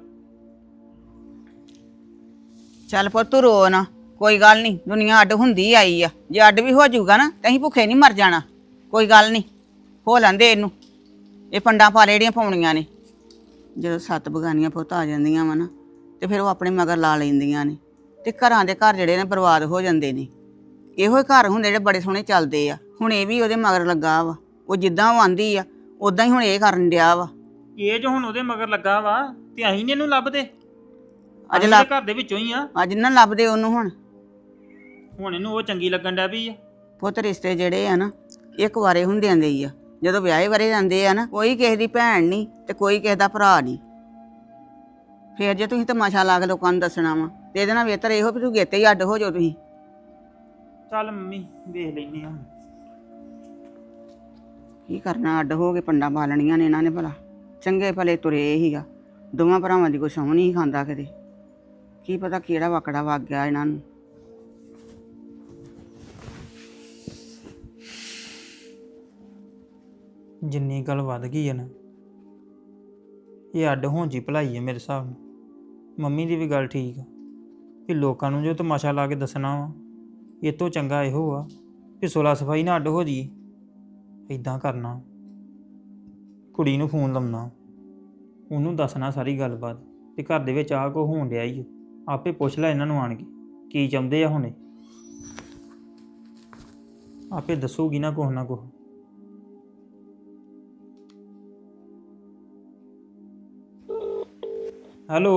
S4: ਚੱਲ ਪੁੱਤ ਤੂੰ ਰੋ ਨਾ, ਕੋਈ ਗੱਲ ਨਹੀਂ, ਦੁਨੀਆ ਅੱਡ ਹੁੰਦੀ ਆਈ ਆ। ਜੇ ਅੱਡ ਵੀ ਹੋ ਜਾਊਗਾ ਨਾ ਤਾਂ ਅਸੀਂ ਭੁੱਖੇ ਨਹੀਂ ਮਰ ਜਾਣਾ। ਕੋਈ ਗੱਲ ਨਹੀਂ, ਹੋ ਲੈਂਦੇ ਇਹਨੂੰ, ਇਹ ਪੰਡਾਂ ਪਾਲੇ ਜਿਹੜੀਆਂ ਪਾਉਣੀਆਂ ਨੇ। ਜਦੋਂ ਸੱਤ ਬਗਾਨੀਆਂ ਪੁੱਤ ਆ ਜਾਂਦੀਆਂ ਵਾ ਨਾ ਤੇ ਫਿਰ ਉਹ ਆਪਣੇ ਮਗਰ ਲਾ ਲੈਂਦੀਆਂ ਨੇ, ਤੇ ਘਰਾਂ ਦੇ ਘਰ ਜਿਹੜੇ ਨੇ ਬਰਬਾਦ ਹੋ ਜਾਂਦੇ ਨੇ। ਇਹੋ ਹੀ ਘਰ ਹੁੰਦੇ ਜਿਹੜੇ ਬੜੇ ਸੋਹਣੇ ਚੱਲਦੇ ਆ। ਹੁਣ ਇਹ ਵੀ ਉਹਦੇ ਮਗਰ ਲੱਗਾ ਵਾ, ਉਹ ਜਿੱਦਾਂ ਉਹ ਆਂਦੀ ਆ ਉਦਾਂ ਹੀ ਹੁਣ ਇਹ ਕਰਨ ਡਿਆ ਵਾ।
S2: ਇਹ ਜੋ ਹੁਣ ਉਹਦੇ ਮਗਰ ਲੱਗਾ ਵਾ ਤੇ ਅਸੀਂ ਨੀ ਇਹਨੂੰ ਲੱਭਦੇ,
S4: ਅੱਜ
S2: ਅੱਜ
S4: ਲੱਭ
S2: ਘਰ ਦੇ ਵਿੱਚੋਂ ਹੀ ਆ।
S4: ਅੱਜ ਨਾ ਲੱਭਦੇ ਉਹਨੂੰ। ਹੁਣ
S2: ਹੁਣ ਇਹਨੂੰ ਉਹ ਚੰਗੀ ਲੱਗਣ ਡਿਆ ਵੀ ਆ।
S4: ਪੁੱਤ ਰਿਸ਼ਤੇ ਜਿਹੜੇ ਆ ਨਾ ਇੱਕ ਵਾਰੇ ਹੁੰਦਿਆਂ ਦੇ ਹੀ ਆ। ਜਦੋਂ ਵਿਆਹੇ ਵਰੇ ਜਾਂਦੇ ਆ ਨਾ, ਕੋਈ ਕਿਸੇ ਦੀ ਭੈਣ ਨਹੀਂ ਤੇ ਕੋਈ ਕਿਸੇ ਦਾ ਭਰਾ ਨਹੀਂ। ਫੇਰ ਜੇ ਤੁਸੀਂ ਤਮਾਸ਼ਾ ਲਾ ਕੇ ਲੋਕਾਂ ਨੂੰ ਦੱਸਣਾ ਵਾ ਤੇ ਇਹਦੇ ਨਾਲ ਬਿਹਤਰ ਇਹੋ ਵੀ ਤੂੰ ਗੇਤੇ ਹੀ ਅੱਡ ਹੋ ਜਾਓ ਤੁਸੀਂ।
S2: ਚੱਲ ਮੰਮੀ ਵੇਖ ਲੈਨੇ ਆ।
S4: ਕੀ ਕਰਨਾ, ਅੱਡ ਹੋ ਕੇ ਪੰਡਾਂ ਪਾਲਣੀਆਂ ਨੇ ਇਹਨਾਂ ਨੇ ਭਲਾ। ਚੰਗੇ ਭਲੇ ਤੁਰੇ ਹੀਗਾ, ਦੋਵਾਂ ਭਰਾਵਾਂ ਦੀ ਕੋਈ ਸਹੁੰ ਨਹੀਂ ਖਾਂਦਾ ਕਿਤੇ। ਕੀ ਪਤਾ ਕਿਹੜਾ ਵਾਕੜਾ ਵਗ ਗਿਆ ਇਹਨਾਂ ਨੂੰ।
S2: ਜਿੰਨੀ ਗੱਲ ਵੱਧ ਗਈ ਹੈ ਨਾ, ਇਹ ਅੱਡ ਹੋਣ ਜੀ ਭਲਾਈ ਹੈ ਮੇਰੇ ਹਿਸਾਬ ਨਾਲ। ਮੰਮੀ ਦੀ ਵੀ ਗੱਲ ਠੀਕ ਆ ਕਿ ਲੋਕਾਂ ਨੂੰ ਜੋ ਤਮਾਸ਼ਾ ਲਾ ਕੇ ਦੱਸਣਾ ਵਾ, ਇਹ ਤੋਂ ਚੰਗਾ ਇਹੋ ਆ ਕਿ ਸੁਲਾ ਸਫਾਈ ਨਾਲ ਅੱਡ ਹੋ ਜੀ। ਇਦਾਂ ਕਰਨਾ, ਕੁੜੀ ਨੂੰ ਫੋਨ ਲਾਉਣਾ, ਉਹਨੂੰ ਦੱਸਣਾ ਸਾਰੀ ਗੱਲਬਾਤ ਤੇ ਘਰ ਦੇ ਵਿੱਚ ਆਹ ਕੋ ਹੋਣ ਡਿਆ ਹੀ। ਆਪੇ ਪੁੱਛ ਲੈ ਇਹਨਾਂ ਨੂੰ ਆਣ ਕੇ ਕੀ ਚਾਹੁੰਦੇ ਆ ਹੁਣੇ, ਆਪੇ ਦੱਸੂਗੀ ਨਾ ਕੁਛ ਨਾ ਕੁਛ। ਹੈਲੋ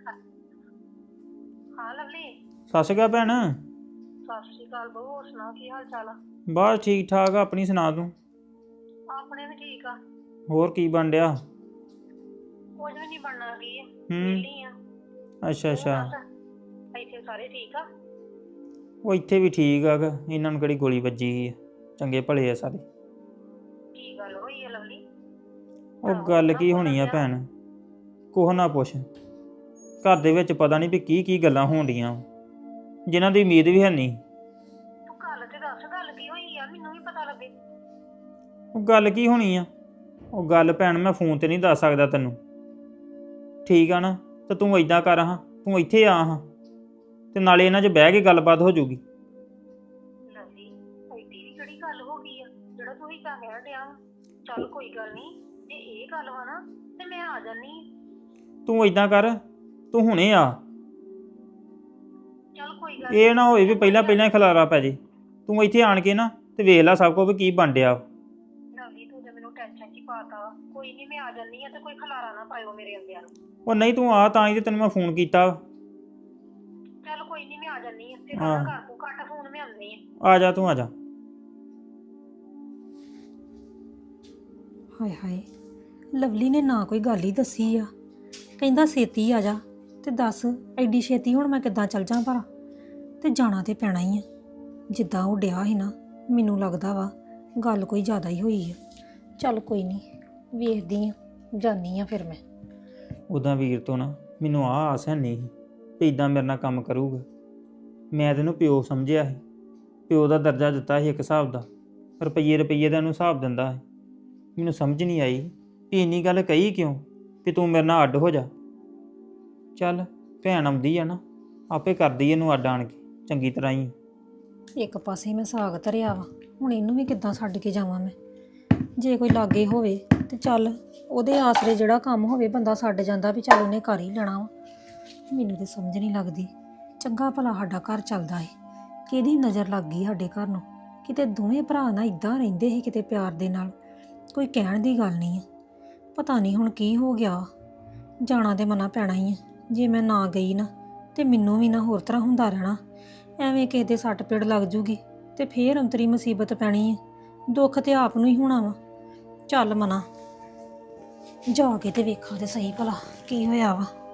S5: ਹਾਂ ਲਵਲੀ।
S2: ਸਤਿ ਸ਼੍ਰੀ ਅਕਾਲ ਭੈਣ।
S5: ਸਤਿ ਸ਼੍ਰੀ ਅਕਾਲ ਬਹੂ, ਹੋਰ ਸੁਣਾ ਕੀ ਹਾਲ ਚਾਲ ਆ?
S2: ਬਸ ਠੀਕ ਠਾਕ ਆ, ਆਪਣੀ ਸੁਣਾ ਤੂੰ।
S5: ਆਪਣੇ ਵੀ ਠੀਕ ਆ।
S2: ਹੋਰ ਕੀ ਬਣ ਡਿਆ?
S5: ਕੁਝ ਵੀ ਨਹੀਂ ਬਣਨਾ ਕੀ ਆ,
S2: ਹੂੰ।
S5: ਵਿਹਲੀ ਆ।
S2: ਅੱਛਾ ਅੱਛਾ।
S5: ਤੂੰ ਦੱਸ, ਇੱਥੇ ਸਾਰੇ ਠੀਕ ਆ?
S2: ਉਹ ਇੱਥੇ ਵੀ ਠੀਕ ਆ ਗਾ, ਇਹਨਾਂ ਨੂੰ ਕਿਹੜੀ ਗੋਲੀ ਵੱਜੀ ਆ, ਚੰਗੇ ਭਲੇ ਆ ਸਾਰੇ।
S5: ਕੀ ਗੱਲ ਹੋਈ ਆ ਲਵਲੀ?
S2: ਉਹ ਗੱਲ ਕੀ ਹੋਣੀ ਆ ਭੈਣ, ਕੁਛ ਨਾ ਪੁੱਛ। ਘਰ ਦੇ ਵਿੱਚ ਪਤਾ ਨਹੀਂ ਵੀ ਕੀ ਕੀ ਗੱਲਾਂ ਹੋਣ ਡੀਆਂ ਜਿਨ੍ਹਾਂ ਦੀ ਉਮੀਦ ਵੀ ਹੈ ਨਹੀਂ।
S5: ਤੂੰ ਗੱਲ ਤੇ ਦੱਸ, ਗੱਲ ਕੀ ਹੋਈ ਆ, ਮੈਨੂੰ ਵੀ ਪਤਾ ਲੱਗੇ।
S2: ਉਹ ਗੱਲ ਕੀ ਹੋਣੀ ਆ? ਉਹ ਗੱਲ ਭੈਣ ਮੈਂ ਫੋਨ ਤੇ ਨਹੀਂ ਦੱਸ ਸਕਦਾ ਤੈਨੂੰ, ਠੀਕ ਆ ਨਾ? ਤੇ ਤੂੰ ਏਦਾਂ ਕਰ ਹਾਂ, ਤੂੰ ਇੱਥੇ ਆ ਹਾਂ ਤੇ ਨਾਲੇ ਇਹਨਾਂ 'ਚ ਬਹਿ ਕੇ ਗੱਲਬਾਤ ਹੋ ਜਾਊਗੀ।
S5: ਲਵਲੀ ਐਡੀ ਵੀ ਕਿਹੜੀ ਗੱਲ ਹੋ ਗਈ ਆ ਜਿਹੜਾ ਤੂੰ ਹੀ ਕਹਿ ਡਿਆ ਵਾ? ਚੱਲ ਕੋਈ ਗੱਲ ਨਹੀਂ, ਜੇ ਇਹ ਗੱਲ ਵਾ ਨਾ ਤੇ ਮੈਂ ਆ ਜਾਨੀ।
S2: ਤੂੰ ਏਦਾਂ ਕਰ, ਤੂੰ ਹੁਣੇ ਆ।
S5: ਚੱਲ ਕੋਈ ਗੱਲ
S2: ਇਹ ਨਾ ਹੋਏ ਵੀ ਪਹਿਲਾਂ ਪਹਿਲਾਂ ਹੀ ਖਲਾਰਾ ਪੈ ਜੇ। ਤੂੰ ਇੱਥੇ ਆਣ ਕੇ ਨਾ ਤੇ ਵੇਖ ਲੈ ਸਭ ਕੁਝ ਵੀ ਕੀ ਬਣ ਡਿਆ।
S5: ਲਵਲੀ ਤੂੰ ਤੇ ਮੈਨੂੰ ਟੈਨਸ਼ਨ 'ਚ ਹੀ ਪਾਤਾ ਵਾ। ਕੋਈ ਨਹੀਂ, ਮੈਂ ਆ ਜਾਨੀ ਆ ਤੇ ਕੋਈ ਖਲਾਰਾ ਨਾ ਪਾਇਓ ਮੇਰੇ ਅੰਦਿਆਂ ਨੂੰ।
S2: ਉਹ ਨਹੀਂ ਤੂੰ ਆ ਤਾਂ ਹੀ ਤੇ ਤੈਨੂੰ ਮੈਂ ਫੋਨ ਕੀਤਾ।
S5: ਚੱਲ ਕੋਈ ਨਹੀਂ, ਮੈਂ ਆ ਜਾਨੀ ਆ ਤੇ
S2: ਹਾਂ।
S5: ਨਾ ਕਰ ਤੂੰ ਕੱਟ ਫੋਨ, ਮੈਂ ਆਉਂਦੀ ਆ।
S2: ਆ ਜਾ ਤੂੰ ਆ ਜਾ।
S6: ਹਾਏ ਹਾਏ, ਲਵਲੀ ਨੇ ਨਾ ਕੋਈ ਗੱਲ ਹੀ ਦੱਸੀ ਆ। ਕਹਿੰਦਾ ਛੇਤੀ ਆ ਜਾ, ਤੇ ਦੱਸ ਐਡੀ ਛੇਤੀ ਹੁਣ ਮੈਂ ਕਿੱਦਾਂ ਚੱਲ ਜਾਂ ਭਰਾ? ਤੇ ਜਾਣਾ ਤੇ ਪੈਣਾ ਹੀ ਆ। ਜਿੱਦਾਂ ਉਹ ਡਿਆ ਸੀ ਨਾ, ਮੈਨੂੰ ਲੱਗਦਾ ਵਾ ਗੱਲ ਕੋਈ ਜ਼ਿਆਦਾ ਹੀ ਹੋਈ ਆ। ਚੱਲ ਕੋਈ ਨਹੀਂ, ਵੇਖਦੀ ਆ, ਜਾਂਦੀ ਆ ਫਿਰ ਮੈਂ।
S2: ਉੱਦਾਂ ਵੀਰ ਤੋਂ ਨਾ ਮੈਨੂੰ ਆਹ ਆਸ ਹੈ ਨਹੀਂ ਵੀ ਇਦਾਂ ਮੇਰੇ ਨਾਲ ਕੰਮ ਕਰੂਗਾ। ਮੈਂ ਤੈਨੂੰ ਪਿਓ ਸਮਝਿਆ ਸੀ, ਪਿਓ ਦਾ ਦਰਜਾ ਦਿੱਤਾ ਸੀ ਇੱਕ ਹਿਸਾਬ ਦਾ, ਰੁਪਈਏ ਰੁਪਈਏ ਦਾ ਇਹਨੂੰ ਹਿਸਾਬ ਦਿੰਦਾ ਸੀ। ਮੈਨੂੰ ਸਮਝ ਨਹੀਂ ਆਈ ਵੀ ਇੰਨੀ ਗੱਲ ਕਹੀ ਕਿਉਂ ਵੀ ਤੂੰ ਮੇਰੇ ਨਾਲ ਅੱਡ ਹੋ ਜਾ। ਚੱਲ ਭੈਣ ਆਉਂਦੀ ਆ ਨਾ, ਆਪੇ ਕਰਦੀ ਇਹਨੂੰ ਅੱਡ ਆਣ ਕੇ ਚੰਗੀ ਤਰ੍ਹਾਂ ਹੀ।
S6: ਇੱਕ ਪਾਸੇ ਮੈਂ ਸਾਗ ਧਰਿਆ ਵਾ, ਹੁਣ ਇਹਨੂੰ ਵੀ ਕਿੱਦਾਂ ਛੱਡ ਕੇ ਜਾਵਾਂ ਮੈਂ? ਜੇ ਕੋਈ ਲਾਗੇ ਹੋਵੇ ਤੇ ਚੱਲ ਉਹਦੇ ਆਸਰੇ ਜਿਹੜਾ ਕੰਮ ਹੋਵੇ ਬੰਦਾ ਛੱਡ ਜਾਂਦਾ ਵੀ ਚੱਲ ਉਹਨੇ ਕਰ ਹੀ ਲੈਣਾ ਵਾ। ਮੈਨੂੰ ਤੇ ਸਮਝ ਨਹੀਂ ਲੱਗਦੀ, ਚੰਗਾ ਭਲਾ ਸਾਡਾ ਘਰ ਚੱਲਦਾ ਹੈ, ਕਿਹਦੀ ਨਜ਼ਰ ਲੱਗ ਗਈ ਸਾਡੇ ਘਰ ਨੂੰ? ਕਿਤੇ ਦੋਵੇਂ ਭਰਾ ਨਾ ਇਦਾਂ ਰਹਿੰਦੇ ਸੀ ਕਿਤੇ ਪਿਆਰ ਦੇ ਨਾਲ, ਕੋਈ ਕਹਿਣ ਦੀ ਗੱਲ ਨਹੀਂ ਆ। ਪਤਾ ਨਹੀਂ ਹੁਣ ਕੀ ਹੋ ਗਿਆ। ਜਾਣਾ ਤੇ ਮਨਾ ਪੈਣਾ ਹੀ ਆ। ਜੇ ਮੈਂ ਨਾ ਗਈ ਨਾ ਤੇ ਮੈਨੂੰ ਵੀ ਨਾ ਹੋਰ ਤਰ੍ਹਾਂ ਹੁੰਦਾ ਰਹਿਣਾ। ਐਵੇਂ ਕਿਸੇ ਦੇ ਸੱਟ ਪੇੜ ਲੱਗ ਜੂਗੀ ਤੇ ਫੇਰ ਅੰਤਰੀ ਮੁਸੀਬਤ ਪੈਣੀ ਹੈ। ਦੁੱਖ ਤੇ ਆਪ ਨੂੰ ਹੀ ਹੋਣਾ ਵਾ। ਚੱਲ ਮਨਾ, ਜਾ ਕੇ ਤੇ ਵੇਖਾਂ ਤੇ ਸਹੀ ਭਲਾ ਕੀ ਹੋਇਆ ਵਾ।